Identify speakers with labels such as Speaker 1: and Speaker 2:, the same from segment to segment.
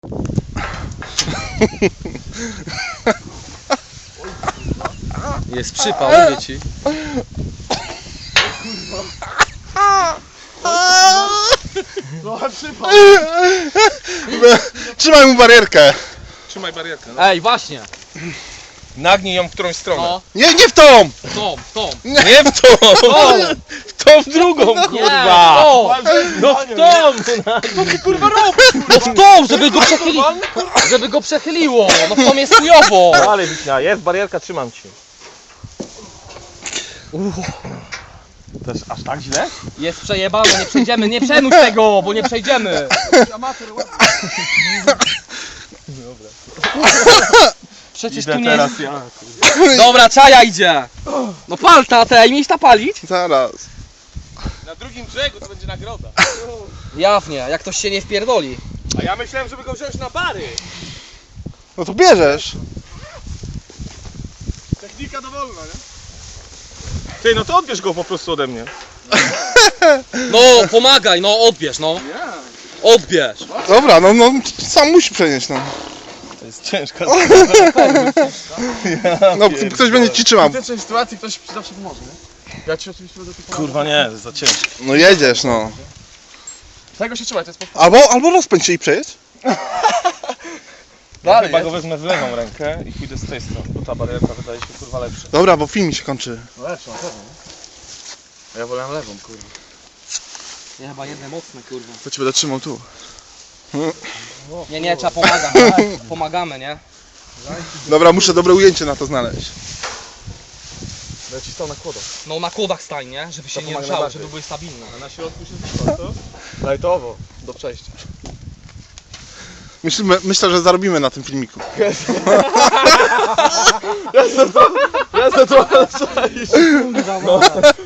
Speaker 1: Jest przypał, mówię ci.
Speaker 2: Trochę przypał.
Speaker 3: Trzymaj mu barierkę.
Speaker 2: Trzymaj barierkę. No.
Speaker 1: Ej, właśnie.
Speaker 2: Nagnij ją w którąś stronę.
Speaker 1: No,
Speaker 3: Nie w tą!
Speaker 1: tą.
Speaker 2: Nie w tą! W tą w drugą, kurwa!
Speaker 1: O!
Speaker 2: No w tą! Co ty kurwa robisz?
Speaker 1: No w tą, żeby go przechyliło. No w tą jest chujowo.
Speaker 2: Ale Wiśnia, jest barierka, trzymam ci. Też aż tak źle?
Speaker 1: Jest przejebane, nie przejdziemy, nie przemóż tego, bo nie przejdziemy.
Speaker 2: Dobra.
Speaker 1: Przecież
Speaker 2: Idę
Speaker 1: tu nie
Speaker 2: teraz
Speaker 1: jest...
Speaker 2: ja.
Speaker 1: Dobra, czaja idzie. No pal tatę, mieć ta palić?
Speaker 3: Zaraz.
Speaker 2: Na drugim brzegu to będzie nagroda.
Speaker 1: Jawnie, jak ktoś się nie wpierdoli.
Speaker 2: A ja myślałem, żeby go wziąć na bary.
Speaker 3: No to bierzesz.
Speaker 2: Technika dowolna, nie? Ty, no to odbierz go po prostu ode mnie.
Speaker 1: No, pomagaj, no odbierz, no. Odbierz.
Speaker 3: Dobra, no sam musi przenieść, no.
Speaker 2: To jest ciężka
Speaker 3: No ktoś będzie ci trzymał.
Speaker 4: W tej sytuacji ktoś zawsze pomoże, nie? Ja ci oczywiście będę tu pomagał.
Speaker 2: Kurwa nie, za ciężko.
Speaker 3: No jedziesz, no.
Speaker 4: Tego się trzymaj, to jest po...
Speaker 3: Albo rozpędź się i przejedź.
Speaker 2: Ja chyba go wezmę w lewą rękę i pójdę z tej strony, bo ta barierka wydaje się kurwa lepsza.
Speaker 3: Dobra, bo film mi się kończy.
Speaker 4: No lepszą, na pewno, nie? A ja wolałem lewą, kurwa.
Speaker 1: Nie, chyba jedne mocne, kurwa.
Speaker 4: To ci będę trzymał tu.
Speaker 1: Nie, trzeba pomagać. Pomagamy, nie?
Speaker 3: Dobra, muszę dobre ujęcie na to znaleźć.
Speaker 4: Będę ci stał na kłodą.
Speaker 1: No na kłodach stań, nie? Żeby się
Speaker 4: To
Speaker 1: nie
Speaker 4: pomaga
Speaker 1: ruszały,
Speaker 4: najbardziej.
Speaker 1: żeby były stabilne.
Speaker 2: A na środku się zniszczy to?
Speaker 4: Lajtowo, do przejścia.
Speaker 3: Myślę, że zarobimy na tym filmiku.
Speaker 4: Ja za to przejść.
Speaker 1: No.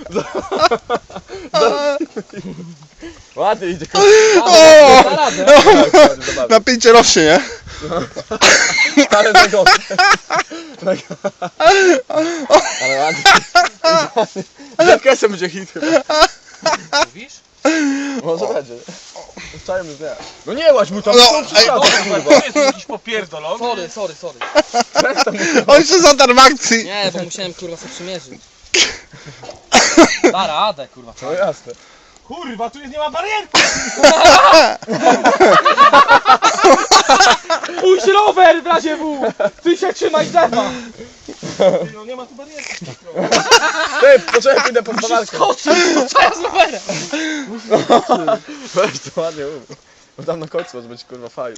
Speaker 4: Ładnie idzie,
Speaker 3: O!
Speaker 1: Da radę.
Speaker 3: Napięcie rośnie, nie?
Speaker 4: ale na go. Ale ładnie. Zakresem będzie hit chyba.
Speaker 1: Mówisz?
Speaker 4: Może będzie. Wczoraj już nie. No nie łaź mu tam,
Speaker 3: No,
Speaker 4: no,
Speaker 2: To jest jakiś popierdolony.
Speaker 1: Sorry.
Speaker 3: On się zatarł w akcji.
Speaker 1: Nie, bo musiałem kurwa sobie przymierzyć. Da radę, kurwa.
Speaker 4: No jasne.
Speaker 2: Kurwa, tu jest, nie ma barierki!
Speaker 1: Pójdź rower w razie W! Ty się trzymaj drzewa!
Speaker 2: No nie ma tu barierki.
Speaker 4: Ty, poczekaj, pójdę po spawarkę.
Speaker 1: Skoczył, co ja z rowerem?
Speaker 4: Weź to ładnie mów. Bo tam na końcu może być kurwa faju.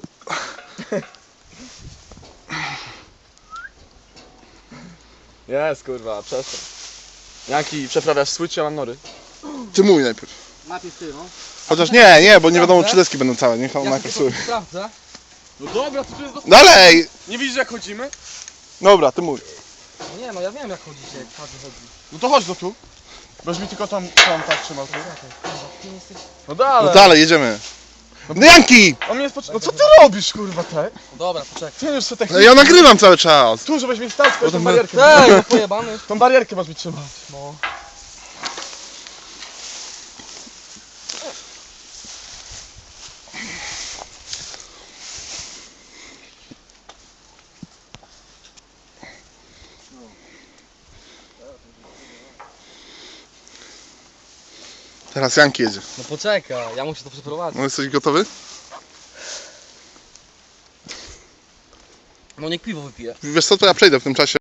Speaker 4: Jest kurwa, przestań. Jaki przeprawiasz switch, ja mam nory.
Speaker 3: Ty mój najpierw.
Speaker 1: Najpierw ty, no.
Speaker 3: Chociaż nie, bo nie wiadomo czy deski będą całe. Niech on
Speaker 1: Ja
Speaker 3: najpierw
Speaker 1: sobie
Speaker 3: sobie.
Speaker 1: sprawdzę.
Speaker 4: No dobra, to tu jest do...
Speaker 3: Dalej!
Speaker 4: Nie widzisz jak chodzimy?
Speaker 3: Dobra, ty mój.
Speaker 1: No nie, no ja wiem jak chodzicie, jak każdy chodzi.
Speaker 4: No to chodź do tu. Będziesz mi tylko tam tak trzymał tu.
Speaker 1: Ty nie jesteś...
Speaker 4: No dalej.
Speaker 3: No dalej, jedziemy. No Janki!
Speaker 4: On mnie jest No co ty robisz kurwa te?
Speaker 1: No dobra, poczekaj.
Speaker 4: Ty już sobie
Speaker 3: No
Speaker 4: technicznie.
Speaker 3: ja nagrywam cały czas.
Speaker 4: Tu żebyś mi stał, tą
Speaker 3: tam-
Speaker 4: barierkę.
Speaker 1: Ej, no pojebany.
Speaker 4: Tą barierkę masz mi trzymać.
Speaker 1: No.
Speaker 3: Teraz Janki jedzie.
Speaker 1: No poczekaj, ja muszę to przeprowadzić.
Speaker 3: No jesteś gotowy?
Speaker 1: No niech piwo wypije.
Speaker 3: Wiesz co, to ja przejdę w tym czasie.